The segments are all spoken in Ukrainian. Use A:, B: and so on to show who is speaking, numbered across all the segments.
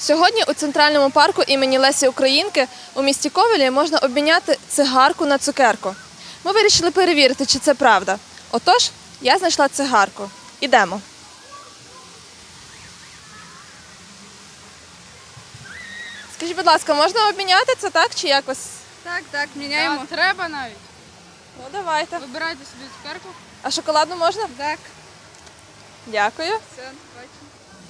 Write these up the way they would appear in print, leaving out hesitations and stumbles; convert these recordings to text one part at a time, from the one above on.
A: Сьогодні у Центральному парку імені Лесі Українки у місті Ковелі можна обміняти цигарку на цукерку. Ми вирішили перевірити, чи це правда. Отож, я знайшла цигарку. Ідемо. Скажіть, будь ласка, можна обміняти це так чи якось?
B: Так, міняємо.
C: Треба навіть.
A: Ну, давайте.
C: Вибирайте собі цукерку.
A: А шоколадну можна?
B: Так.
A: Дякую.
B: Все, бачимо.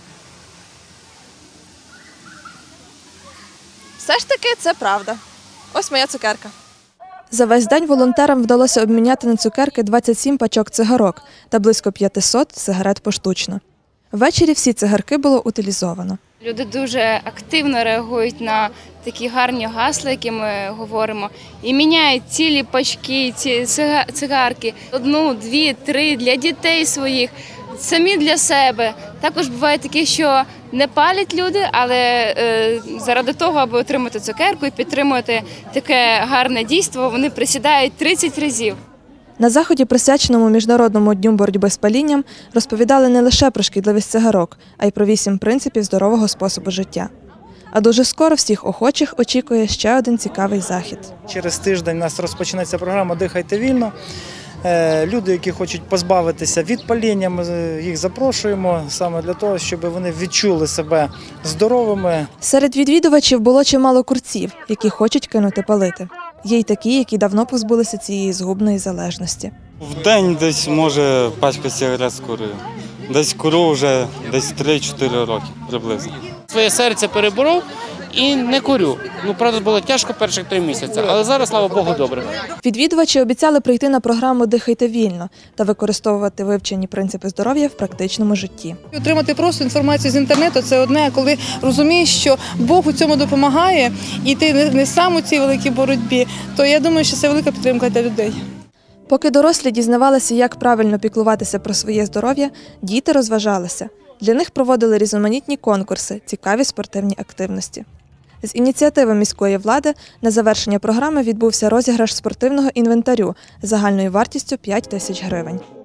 A: Все ж таки, це правда. Ось моя цукерка. За весь день волонтерам вдалося обміняти на цукерки 27 пачок цигарок та близько 500 сигарет поштучно. Ввечері всі цигарки було утилізовано.
D: Люди дуже активно реагують на такі гарні гасла, які ми говоримо, і міняють цілі пачки, ці цигарки, 1, 2, 3 для дітей своїх, самі для себе. Також буває таке, що не палять люди, але заради того, аби отримати цукерку і підтримувати таке гарне дійство, вони присідають 30 разів.
A: На заході, присвяченому Міжнародному дню боротьби з палінням, розповідали не лише про шкідливість цигарок, а й про 8 принципів здорового способу життя. А дуже скоро всіх охочих очікує ще один цікавий захід.
E: Через тиждень у нас розпочнеться програма «Дихайте вільно». Люди, які хочуть позбавитися від паління, ми їх запрошуємо саме для того, щоб вони відчули себе здоровими.
A: Серед відвідувачів було чимало курців, які хочуть кинути палити. Є й такі, які давно позбулися цієї згубної залежності.
F: В день десь, може, пачка сигарет скурую. Десь курю вже десь 3-4 роки приблизно.
G: Своє серце переборов і не курю. Правда, було тяжко перших 3 місяці, але зараз, слава Богу, добре.
A: Відвідувачі обіцяли прийти на програму «Дихайте вільно» та використовувати вивчені принципи здоров'я в практичному житті.
B: Отримати просто інформацію з інтернету – це одне, а коли розумієш, що Бог у цьому допомагає, і ти не сам у цій великій боротьбі, то я думаю, що це велика підтримка для людей.
A: Поки дорослі дізнавалися, як правильно піклуватися про своє здоров'я, діти розважалися. Для них проводили різноманітні конкурси, цікаві спортивні активності. З ініціативи міської влади на завершення програми відбувся розіграш спортивного інвентарю загальною вартістю 5 тисяч гривень.